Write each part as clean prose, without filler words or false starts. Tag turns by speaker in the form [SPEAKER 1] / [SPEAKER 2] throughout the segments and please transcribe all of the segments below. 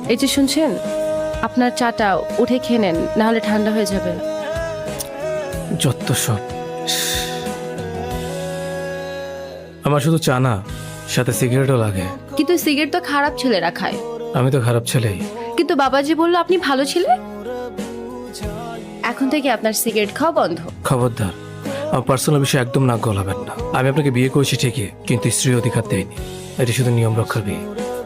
[SPEAKER 1] এই যে শুনছেন, আপনার চাটা উঠে খেয়ে নেন, না হলে ঠান্ডা হয়ে যাবে।
[SPEAKER 2] যত সব। আমার শুধু চা না, সাথে সিগারেটও লাগে।
[SPEAKER 1] কিন্তু সিগারেট তো খারাপ ছেলেরা খায়।
[SPEAKER 2] আমি তো খারাপ ছেলেই।
[SPEAKER 1] কিন্তু বাবাজি বললো আপনি ভালো ছেলে। এখন থেকে আপনার সিগারেট খাওয়া বন্ধ।
[SPEAKER 2] খবরদার, আমার পার্সোনাল বিষয়ে একদম নাক গলাবেন না। আমি আপনাকে বিয়ে করেছি ঠিকই, কিন্তু স্ত্রী অধিকার দেয়নি। এটি শুধু নিয়ম রক্ষার বিয়ে।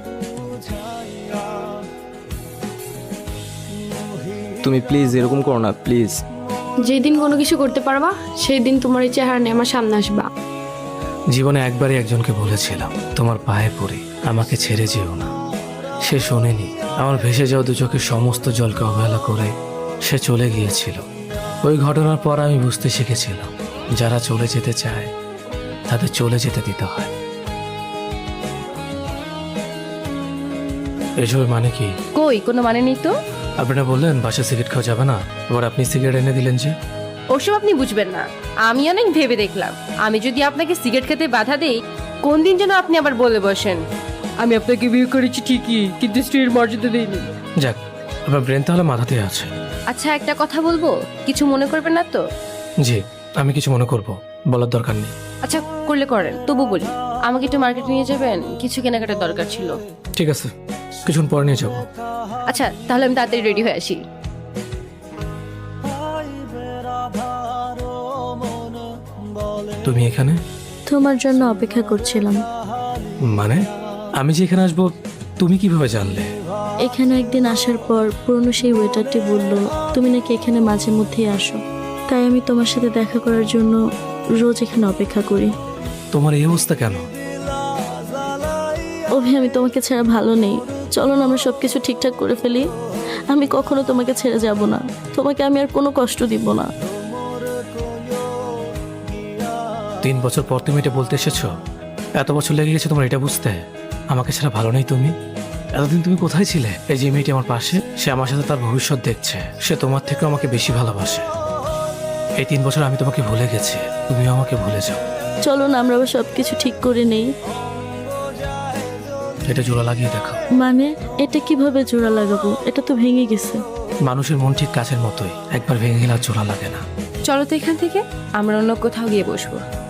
[SPEAKER 3] তুমি প্লিজ এরকম করো না, প্লিজ।
[SPEAKER 4] যেদিন কোনো কিছু করতে পারবা সেই দিন তোমার এই চেহারা নিয়ে আমার সামনে আসবা।
[SPEAKER 2] জীবনে একবারই একজনকে বলেছিলাম, তোমার পায়ে পড়ে আমাকে ছেড়ে যেও না। সে শোনেনি। আমার ভেসে যাওয়া দু চোখের সমস্ত জলকে অবহেলা করে সে চলে গিয়েছিল। ওই ঘটনার পর আমি বুঝতে শিখেছিলাম, যারা চলে যেতে চায় তাদের চলে যেতে দিতে হয়। এসবের মানে কি?
[SPEAKER 1] কই, কোনো মানে নেই তো।
[SPEAKER 2] আপনারা বললেন বাসা সিগারেট খাওয়া যাবে না, আবার আপনি সিগারেট এনে দিলেন যে।
[SPEAKER 1] ওসব আপনি বুঝবেন না। আমি অনেক ভেবে দেখলাম, আমি যদি আপনাকে সিগারেট খেতে বাধা দেই, কোন দিন যেন আপনি আবার বলে বসেন আমি আপনাকে বিয়ে করেছি ঠিকই, কিন্তু স্ত্রীর মর্যাদা দেইনি।
[SPEAKER 2] যাক, আপনার ব্রেন তাহলে মাথাতেই আছে।
[SPEAKER 1] আচ্ছা, একটা কথা বলবো, কিছু মনে করবেন না তো?
[SPEAKER 2] জি, আমি কিছু মনে করব, বলার দরকার নেই।
[SPEAKER 1] আচ্ছা, করলে করেন, তবু বলি, আমাকে একটু মার্কেটে নিয়ে যাবেন, কিছু কেনাকাটার দরকার ছিল।
[SPEAKER 2] ঠিক আছে, কিছুক্ষণ পরে নিয়ে যাবো।
[SPEAKER 1] আচ্ছা, তাহলে আমি তাড়াতাড়ি রেডি হয়ে আসি।
[SPEAKER 2] তুমি এখানে?
[SPEAKER 4] তোমার জন্য অপেক্ষা করছিলাম।
[SPEAKER 2] মানে আমি যে এখানে আসবো তুমি কিভাবে জানলে?
[SPEAKER 4] এখানে একদিন আসার পর পুরনো সেই ওয়েটারটি বলল তুমি নাকি এখানে মাঝে মধ্যেই আসো, তাই আমি তোমার সাথে দেখা করার জন্য রোজ এখানে অপেক্ষা করি।
[SPEAKER 2] তোমার এই অবস্থা কেন?
[SPEAKER 4] অভি, আমি তোমাকে ছাড়া ভালো নেই। চলো না আমরা সবকিছু ঠিকঠাক করে ফেলি। আমি কখনো তোমাকে ছেড়ে যাব না, তোমাকে আমি আর কোনো কষ্ট দিব না।
[SPEAKER 2] 3 বছর পর তুমি এটা বলতে এসেছো? এত বছর লেগে গেছে তোমার এটা বুঝতে? আমাকে ছাড়া ভালো নেই তুমি? এতদিন তুমি কোথায় ছিলে? এই যে মেয়েটি আমার পাশে, সে আমার সাথে তার ভবিষ্যৎ দেখছে। সে তোমার থেকে আমাকে বেশি ভালোবাসে। এই 3 বছর আমি তোমাকে ভুলে গেছি, তুমিও আমাকে ভুলে যাও।
[SPEAKER 4] চলো না আমরা আবার সবকিছু ঠিক করে নেই।
[SPEAKER 2] এটা জোড়া লাগিয়ে দেখো।
[SPEAKER 4] মানে এটা কিভাবে জোড়া লাগাবো? এটা তো ভেঙে গেছে।
[SPEAKER 2] মানুষের মন ঠিক কাছের মতোই, একবার ভেঙে গেলে আর জোড়া লাগে না।
[SPEAKER 1] চলো তো এখান থেকে আমরা অন্য কোথাও গিয়ে বসবো।